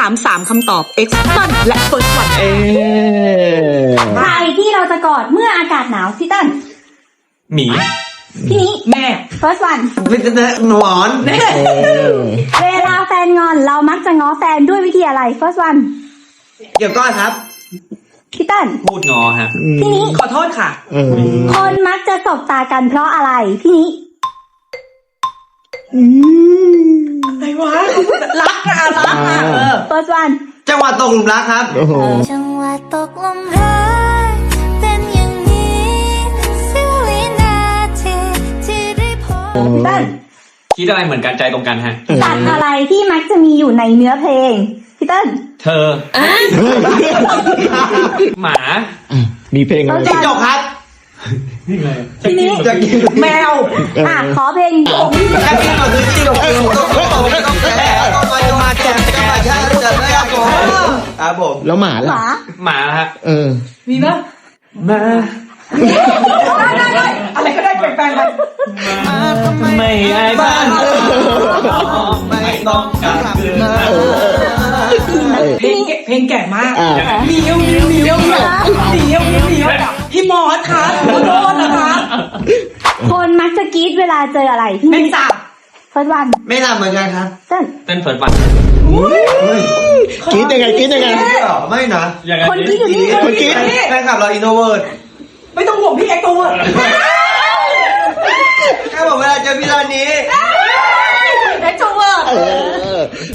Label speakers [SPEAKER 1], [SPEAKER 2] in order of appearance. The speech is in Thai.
[SPEAKER 1] าม3คำตอบ Exxon และ First One
[SPEAKER 2] ใครที่เราจะกอดเมื่ออากาศหนาวพี่เติ้ล
[SPEAKER 3] หมี
[SPEAKER 2] พี่นี้
[SPEAKER 1] แม่
[SPEAKER 2] first one
[SPEAKER 4] หนอน
[SPEAKER 2] เวลาแฟนงอนเรามักจะง้อแฟนด้วยวิธีอะไร first one
[SPEAKER 4] เกี่ยวก้อนครับ
[SPEAKER 2] พี่เติ้ล
[SPEAKER 3] พูดงอฮะ
[SPEAKER 2] พี่นี้
[SPEAKER 1] ขอโทษค่ะ
[SPEAKER 2] คนมักจะสบตากันเพราะอะไรพี่นี้
[SPEAKER 1] อะไรวะรักอะรักอะ
[SPEAKER 2] first one
[SPEAKER 4] จังหวะตกหลุมรักครับ
[SPEAKER 5] จังหวะตกลมรักเป็นอย่างนี้เสี้ยววินาทีที่ได้พบ
[SPEAKER 2] พี่เติ้ล
[SPEAKER 3] คิดอะไรเหมือนกันใจตรงกันฮะ
[SPEAKER 2] สัตว์อะไรที่มักจะมีอยู่ในเนื้อเพลงพี่เติ้ล
[SPEAKER 3] เธอ หมา
[SPEAKER 6] มีเพลงอะไร
[SPEAKER 4] จิ้งจกครับ
[SPEAKER 2] พี่นี้
[SPEAKER 4] จะกิน
[SPEAKER 1] แมว
[SPEAKER 2] ขอเพลงผม
[SPEAKER 4] จะกินก่อนคือจิ้งจกต้องแก่ต้องมาแก่ต้องมาแก่จะไม่ครับผมครับผม
[SPEAKER 6] แล้วหมา
[SPEAKER 2] ห
[SPEAKER 6] ล่ะ
[SPEAKER 2] มา
[SPEAKER 3] หมาฮะ
[SPEAKER 1] มีปะ
[SPEAKER 3] มา
[SPEAKER 1] ได้อะไรก็ได้แปลงๆไป
[SPEAKER 3] ไม่ไอ้บ้าน
[SPEAKER 4] ไม่ต้องการคืน
[SPEAKER 1] เพลงแก่มาก
[SPEAKER 6] อ่า
[SPEAKER 1] เหนียวพี่มอสค่ะขอโทษนะคะ
[SPEAKER 2] คนมักจะกรี๊ดเวลาเจออะไรพี่
[SPEAKER 1] เป็น
[SPEAKER 2] นี้
[SPEAKER 1] สาบ
[SPEAKER 2] first one
[SPEAKER 4] ไม่ทำเหมือนกันครับ
[SPEAKER 2] เติ้ล
[SPEAKER 3] เต้นเฟิร์สวัน
[SPEAKER 6] กรี๊ดยังไงกรี๊ดยังไง
[SPEAKER 4] ไม่นะ
[SPEAKER 3] ยังไง
[SPEAKER 2] คนกรี๊ดอยู่นี่
[SPEAKER 6] คนกรี๊ด
[SPEAKER 4] แฟนคลับเราอินโนเวิร์ด
[SPEAKER 1] ไม่ต้องห่วงพี่เอ็กตัว
[SPEAKER 4] แค่บอกเวลาเจอพี่ร้านนี้
[SPEAKER 1] เอ็กโทรเวิร์ด